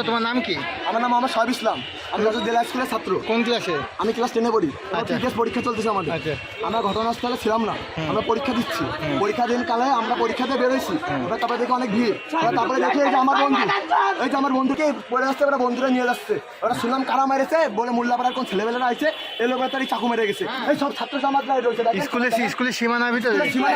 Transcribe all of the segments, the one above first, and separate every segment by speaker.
Speaker 1: তোমার নাম কি?
Speaker 2: আমার নাম মোহাম্মদ শহীদ ইসলাম। আমি যশোর জেলা স্কুলের ছাত্র।
Speaker 1: কোন ক্লাসে?
Speaker 2: আমি ক্লাস 10-এ পড়ি।
Speaker 1: আচ্ছা।
Speaker 2: টিকেস পরীক্ষা চলতেছে আমাদের।
Speaker 1: আচ্ছা।
Speaker 2: আমরা ঘটনাস্থলে ছিলাম না, আমরা পরীক্ষা দিচ্ছি। পরীক্ষা দিন কালে আমরা পরীক্ষাতে বেরোইছি, এবার তারপরে দেখি অনেক ভিড়। তারপরে দেখি এই যে আমার বন্ধুকে পড়ে আসছে, ওরা বন্ধুরা নিয়ে যাচ্ছে। ওরা শুনলাম কারা মেরেছে বলে মোল্লাপাড়ার কোন ছেলেবেলারা আছে এলো তারই চাকু মেরে গেছে। এই সব ছাত্র সমাজরা রয়েছে
Speaker 1: স্কুলের সীমানার ভিতরে।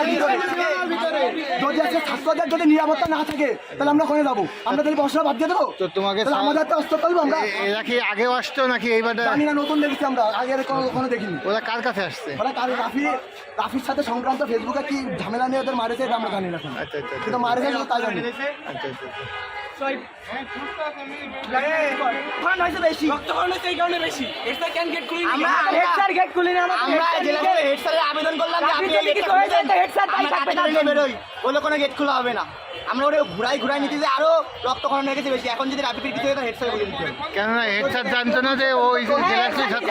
Speaker 2: যদি আজকে ছাত্রদের যদি নিরাপত্তা না থাকে তাহলে আমরা ওখানে যাবো, আমরা তাহলে বসরা বাদ দিয়ে দেবো।
Speaker 1: তো তোমাকে
Speaker 2: আমাদের তো অস্ত্র করবো আমরা।
Speaker 1: এরা কি আগেও আসতো নাকি এইবার?
Speaker 2: জানি না, নতুন দেখেছি আমরা, আগে কখনো দেখিনি।
Speaker 1: ওরা কার কাছে আসছে?
Speaker 2: ওরা রাফির সাথে সংক্রান্ত ফেসবুকে কি ঝামেলা নিয়ে ওদের মারেছে এটা আমরা জানি না।
Speaker 1: আচ্ছা আচ্ছা
Speaker 2: কিন্তু মারেছে তা জানি।
Speaker 1: আচ্ছা আচ্ছা।
Speaker 3: আবেদন করলাম বলে কোনো গেট খোলা হবে না। আমরা ওটা ঘুরাই নিতে যে আরো রক্তক্ষরণ হয়ে গেছে বেশি। এখন যদি রাপিড কিছু হয় হেড স্যার বলে দিতে হবে।
Speaker 1: কেননা হেড স্যার জানতো না যে ওই জেলা স্কুলের ছাত্র।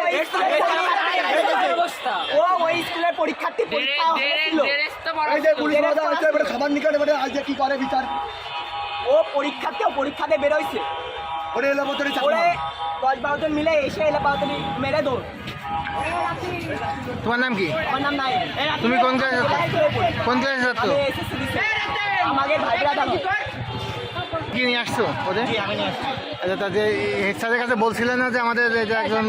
Speaker 3: ও ওই স্কুলের পরীক্ষার্থী পরীক্ষা হচ্ছিল।
Speaker 2: এই যে পুলিশ বাধা হচ্ছে, এবারে খাবার নিকাট এবারে আজ কি করে বিচার।
Speaker 3: ও পরীক্ষাতে বেরোইছে।
Speaker 2: ওরে এলো বোতলে
Speaker 3: ওরে 10-12 জন মিলে এসে এলে বাউতনি মেরে দৌড়।
Speaker 1: তোমার নাম কি?
Speaker 3: আমার নাম নাই।
Speaker 1: তুমি কোন ক্লাসে? কোন ক্লাসে ছাত্র?
Speaker 3: আমি এসএসসি দিছি। আমাকে ভাইরা দাও।
Speaker 1: কি নিয়ে আসছো ওদের?
Speaker 3: জি আমি নিয়ে আসছি।
Speaker 1: আচ্ছা, তাদের হেড স্যারের কাছে বলছিলেন না যে আমাদের এই যে একজন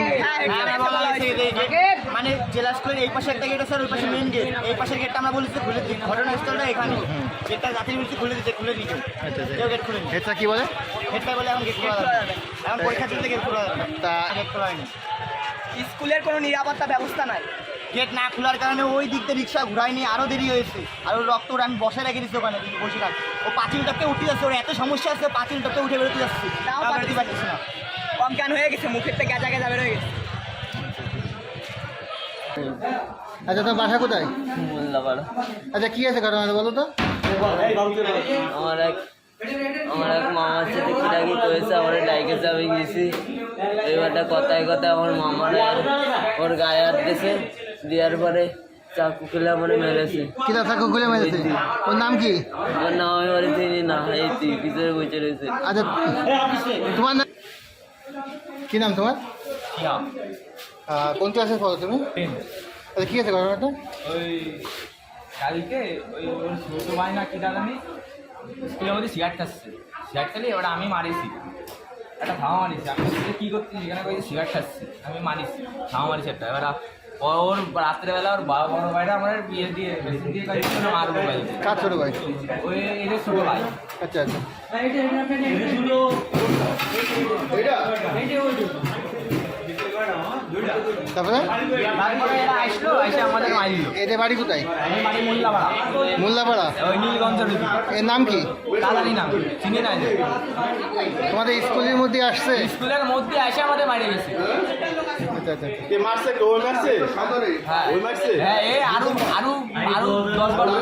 Speaker 3: মানে জেলা স্কুলের এই পাশে একটা গেট আছে আর ওই পাশে মেইন গেট। এই পাশের গেটটা আমরা বলেছি খুলে দিই, ঘটনাস্থলটা এখানে। গেটটা জাতির বিরুদ্ধে খুলে দিয়েছে।
Speaker 1: আচ্ছা আচ্ছা।
Speaker 3: কেউ গেট খুলে নি।
Speaker 1: হেড স্যার কি বলে?
Speaker 3: হেডটা বলে এখন গেট খোলা যাবে না। এখন পরীক্ষা চলতে গেট খোলা যাবে না।
Speaker 1: তা
Speaker 3: গেট খোলা হয়নি। স্কুলের কোনো নিরাপত্তা ব্যবস্থা নাই। গেট না খোলার কারণে ওই দিক দিয়ে রিক্সা ঘুরায়নি, আরও দেরি হয়েছে। আর ওর রক্ত আমি বসে রেখে দিচ্ছি ওখানে বসে থাক। ও পাঁচিল টপকে উঠে যাচ্ছে, ওর এত সমস্যা আছে পাঁচিল টপকে উঠে বেরোতে যাচ্ছে, বেরোতে পারছি না। অজ্ঞান হয়ে গেছে, মুখের থেকে গেজা বেরোয় গেছে।
Speaker 1: আচ্ছা, তোমার বাসা কোথায়?
Speaker 4: মোল্লাপাড়া।
Speaker 1: আচ্ছা, কি আছে ঘটনাটা বলো তো।
Speaker 4: আমার এক মামার সাথে কিরাকি করেছে, আমার ডাইকেছে, আমি গেছি। এবারটা কথায় আমার মামারা ওর গায়ে হাত দিয়েছে, দেওয়ার পরে চাকু খেলে আমার মেরেছে।
Speaker 1: কিরা চাকু খুলে মেরেছে? ওর নাম কি?
Speaker 4: ওর নাম আমি বলে চিনি না, এই তুই পিছনে বসে রয়েছে।
Speaker 1: আচ্ছা, তোমার নাম কি? নাম তোমার? কোন ক্লাসে পড়ো তুমি? আচ্ছা, কি আছে ঘটনাটা?
Speaker 5: ওই কালকে ওই ওর ছোটো ভাই না কি জানি স্কুলের মধ্যে সিগারেট খাচ্ছে, সিগারেট খালি এবার আমি মারিছি, একটা ধাওয়া মারিছি। আমি কী করছি সেখানে কই সিগারেট খাচ্ছি, আমি মারিছি, ধাওয়া মারিছি একটা। এবার ওর রাত্রেবেলা ওর বড় ভাইটা আমার বিয়ে দিয়ে মারবো ভাই।
Speaker 1: কার ছোটো ভাই?
Speaker 5: ওই এদের ছোটো ভাই।
Speaker 1: আচ্ছা আচ্ছা। তারপরে
Speaker 5: এরা আসলো, এসে আমাদের মারিল।
Speaker 1: এদের বাড়ি কোথায়?
Speaker 5: আমি মারি মোল্লাপাড়া।
Speaker 1: মোল্লাপাড়া?
Speaker 5: ওই নীলগঞ্জের
Speaker 1: এর নাম কি?
Speaker 5: দাদানি নাম চিনি নাই।
Speaker 1: তোমাদের স্কুলের মধ্যে আসছে?
Speaker 5: স্কুলের মধ্যে এসে আমাদের মারি গেছে।
Speaker 1: আচ্ছা আচ্ছা।
Speaker 5: হ্যাঁ, এই আরো 10-12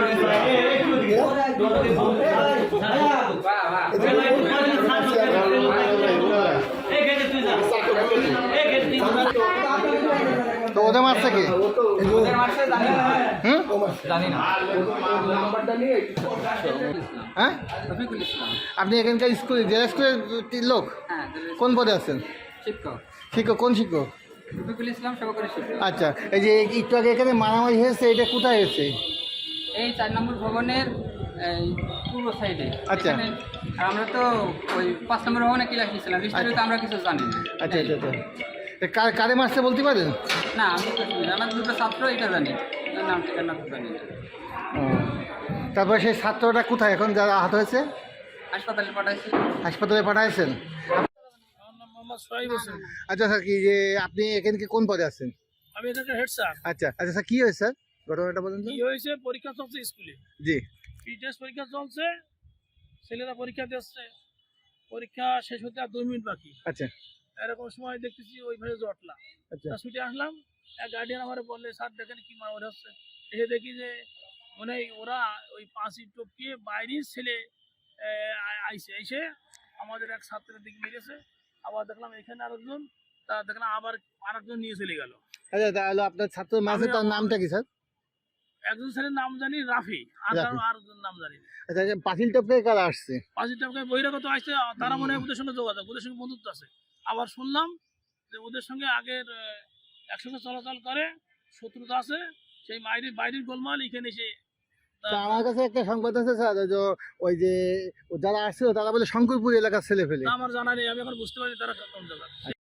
Speaker 1: তো ওদের মারছে কে? হুম,
Speaker 5: জানি না।
Speaker 1: হ্যাঁ, আপনি এখানকার স্কুল জেলা স্কুলের লোক? কোন পদে আছেন? শিক্ষক। কোন শিক্ষক? আচ্ছা, এই যে একটু আগে এখানে মারামারি হয়েছে, এটা কোথায় হয়েছে?
Speaker 6: এই 4 নম্বর ভবনের পূর্ব সাইডে।
Speaker 1: আচ্ছা।
Speaker 6: আর আমরা তো ওই 5 নম্বর ভবনে ক্লাস নিয়েছিলাম, বিস্তারিত আমরা কিছু জানি না।
Speaker 1: আচ্ছা আচ্ছা আচ্ছা। কারে মারছে বলতে পারেন?
Speaker 6: না, আমি কিছু জানি না। আমার দুটো ছাত্র এটা জানি, নাম ঠিকানা তো জানি না।
Speaker 1: তারপরে সেই ছাত্রটা কোথায় এখন, যারা আহত হয়েছে?
Speaker 6: হাসপাতালে পাঠাইছি।
Speaker 1: হাসপাতালে পাঠাইছেন? আচ্ছা স্যার, কি যে আপনি এখানকে কোন পদে আছেন?
Speaker 7: আমি এখানকার হেড স্যার।
Speaker 1: আচ্ছা আচ্ছা স্যার, কি হয়েছে স্যার, ঘটনাটা বলুন তো।
Speaker 7: কি হয়েছে, পরীক্ষা চলছে স্কুলে।
Speaker 1: জি।
Speaker 7: পিটিএস পরীক্ষা চলছে, ছেলেরা পরীক্ষা দিচ্ছে, পরীক্ষা শেষ হতে আর 2 মিনিট বাকি।
Speaker 1: আচ্ছা
Speaker 7: এরকম সময় দেখতেছি ওই ভাবে জটলা।
Speaker 1: আচ্ছা।
Speaker 7: ছুটে আসলাম, এক গার্ডিয়ান আমার বললে স্যার দেখেন কি মারা হচ্ছে। এসে দেখি যে মানে ওরা ওই 5 ইট টপকিয়ে বাইরের ছেলে এসে আমাদের এক ছাত্রের দিকে মেরেছে। আবার দেখলাম এখানে আরেকজন, তা দেখলাম আবার আরেকজন নিয়ে চলে গেল।
Speaker 1: আচ্ছা, তাহলে আপনার ছাত্র মাঝে তার নামটা কি স্যার?
Speaker 7: একজন ছেলের নাম জানি রাফি, আর
Speaker 1: রাফি।
Speaker 7: কারো আর নাম জানি না।
Speaker 1: আচ্ছা পাঁচিল টপকে কারা আসছে?
Speaker 7: পাঁচিরটাকে বহিরাগত আসছে, তারা মনে হয় ওদের সঙ্গে যোগাযোগ, ওদের সঙ্গে বন্ধুত্ব আছে। আবার শুনলাম যে ওদের সঙ্গে আগের একসঙ্গে চলাচল করে, শত্রুতা আছে, সেই বাইরের গোলমাল এখানে এসে
Speaker 1: তা আমার কাছে একটা সংবাদ আছে স্যার, ওই যে যারা আসছিল তারা বলে শঙ্করপুর এলাকার ছেলে ফেলে।
Speaker 7: আমার জানা নেই, আমি এখন বুঝতে পারি তারা কোন জায়গার।